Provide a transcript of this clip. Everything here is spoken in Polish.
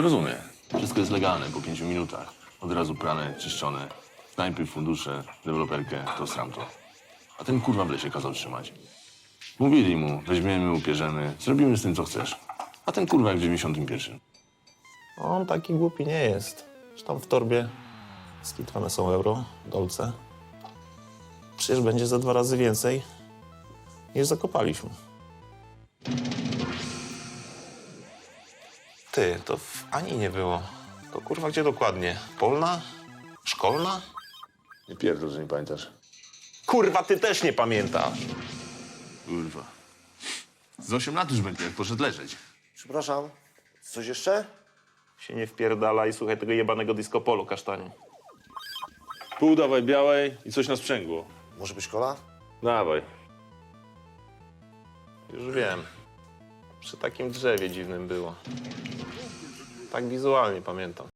rozumie. Wszystko jest legalne po 5 minutach. Od razu prane, czyszczone. Snajpy, fundusze, deweloperkę, to sramto. A ten kurwa w lesie kazał trzymać. Mówili mu, weźmiemy, upierzemy, zrobimy z tym, co chcesz. A ten kurwa jak w 91. On taki głupi nie jest. Tam w torbie skitwane są euro, dolce. Przecież będzie za 2 razy więcej, niż zakopaliśmy. Ty, to w Ani nie było. To kurwa gdzie dokładnie? Polna? Szkolna? Nie pierdol, że nie pamiętasz. Kurwa, ty też nie pamiętasz. Kurwa. Z 8 lat już będzie, jak poszedł leżeć. Przepraszam, coś jeszcze? Się nie wpierdala i słuchaj tego jebanego disco polo, kasztanie. Pół dawaj białej i coś na sprzęgło. Może być kola? Dawaj. Już wiem. Przy takim drzewie dziwnym było. Tak wizualnie pamiętam.